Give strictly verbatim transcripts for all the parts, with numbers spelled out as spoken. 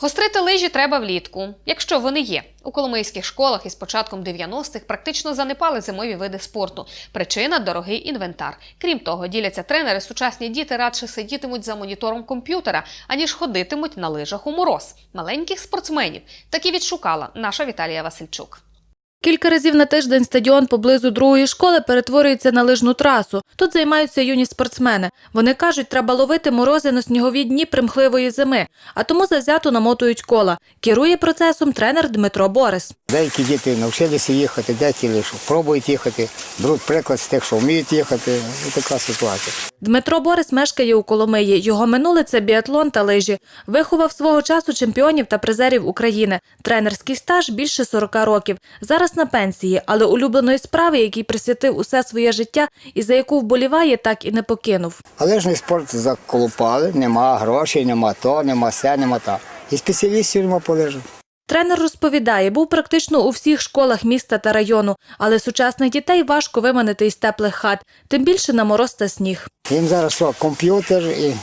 Гострити лижі треба влітку, якщо вони є. У коломийських школах із початком дев'яностих практично занепали зимові види спорту. Причина – дорогий інвентар. Крім того, діляться тренери, сучасні діти радше сидітимуть за монітором комп'ютера, аніж ходитимуть на лижах у мороз. Маленьких спортсменів таки відшукала наша Віталія Васильчук. Кілька разів на тиждень стадіон поблизу другої школи перетворюється на лижну трасу. Тут займаються юні спортсмени. Вони кажуть, треба ловити морози на снігові дні примхливої зими, а тому завзято намотують кола. Керує процесом тренер Дмитро Борис. Деякі діти навчилися їхати, деякі лише пробують їхати, беруть приклад з тих, що вміють їхати. Ось така ситуація. Дмитро Борис мешкає у Коломиї. Його минуле – це біатлон та лижі. Виховав свого часу чемпіонів та призерів України. Тренерський стаж – більше сорока років. Зараз на пенсії, але улюбленої справи, якій присвятив усе своє життя і за яку вболіває, так і не покинув. А лижний спорт заколупали, нема грошей, нема то, нема се, нема та. І спеціалістів нема по лижах. Тренер розповідає, був практично у всіх школах міста та району, але сучасних дітей важко виманити із теплих хат, тим більше на мороз та сніг. Їм зараз що, комп'ютер і,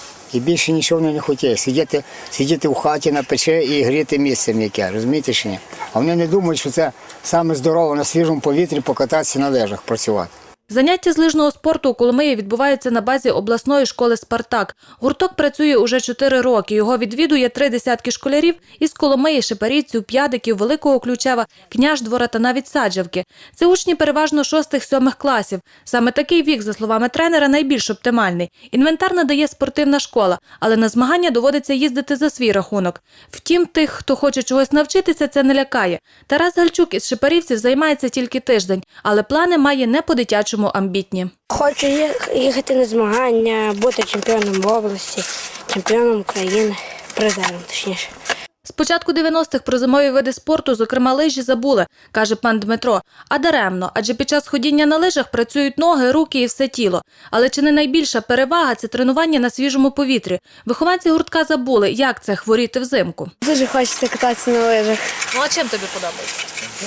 і більше нічого вони не хотять. Сидіти, сидіти в хаті на печі і гріти місце м'яке, розумієте чи ні? А вони не думають, що це саме здорово на свіжому повітрі покататися на лижах, працювати. Заняття з лижного спорту у Коломиї відбуваються на базі обласної школи «Спартак». Гурток працює уже чотири роки. Його відвідує три десятки школярів із Коломиї, Шепарівців, П'ядиків, Великого Ключева, Княждвора та навіть Саджавки. Це учні переважно шостих-сьомих класів. Саме такий вік, за словами тренера, найбільш оптимальний. Інвентар надає спортивна школа, але на змагання доводиться їздити за свій рахунок. Втім, тих, хто хоче чогось навчитися, це не лякає. Тарас Гальчук із Шепарівців займається тільки тиждень, але плани має не по-дитячому амбітні. Хочу їхати на змагання, бути чемпіоном області, чемпіоном України, призером точніше. З початку дев'яностих про зимові види спорту, зокрема лижі, забули, каже пан Дмитро. А даремно, адже під час ходіння на лижах працюють ноги, руки і все тіло. Але чи не найбільша перевага – це тренування на свіжому повітрі? Вихованці гуртка забули, як це хворіти взимку. Дуже хочеться кататися на лижах. Ну а чим тобі подобається?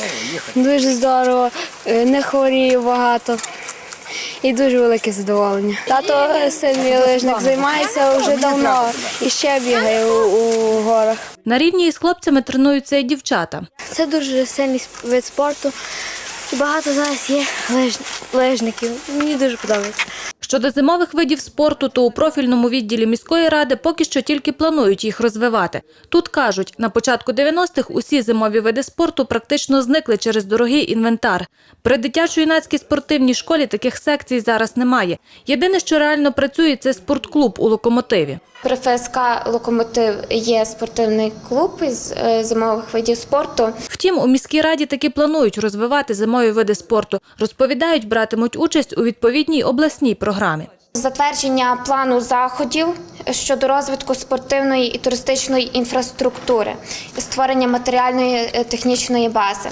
Дуже здорово, не хворію багато і дуже велике задоволення. Тато сильний лижник, займається вже давно і ще бігає у, у горах. На рівні із хлопцями тренуються і дівчата. Це дуже сильний вид спорту і багато зараз є лиж... лижників. Мені дуже подобається. Щодо зимових видів спорту, то у профільному відділі міської ради поки що тільки планують їх розвивати. Тут кажуть, на початку дев'яностих усі зимові види спорту практично зникли через дорогий інвентар. При дитячо-юнацькій спортивній школі таких секцій зараз немає. Єдине, що реально працює, це спортклуб у «Локомотиві». При ФСК «Локомотив» є спортивний клуб із зимових видів спорту. Втім, у міській раді таки планують розвивати зимові види спорту. Розповідають, братимуть участь у відповідній обласній програмі. Затвердження плану заходів щодо розвитку спортивної і туристичної інфраструктури і створення матеріальної технічної бази.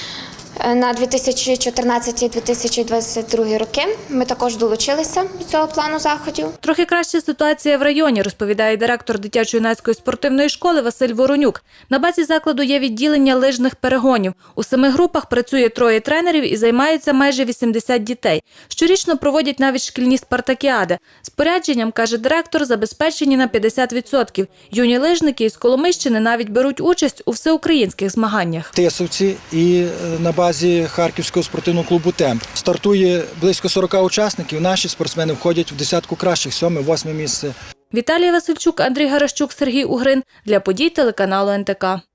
На дві тисячі чотирнадцятий - дві тисячі двадцять другий роки ми також долучилися до цього плану заходів. Трохи краща ситуація в районі, розповідає директор дитячо-юнацької спортивної школи Василь Воронюк. На базі закладу є відділення лижних перегонів. У семи групах працює троє тренерів і займаються майже вісімдесят дітей. Щорічно проводять навіть шкільні спартакіади. Спорядженням, каже директор, забезпечені на п'ятдесят відсотків. Юні лижники із Коломийщини навіть беруть участь у всеукраїнських змаганнях. Тисовці і на базі Харківського спортивного клубу «Темп». Стартує близько сорока учасників. Наші спортсмени входять в десятку кращих, сьоме-восьме місце. Віталія Васильчук, Андрій Гаращук, Сергій Угрин. Для подій телеканалу ен те ка.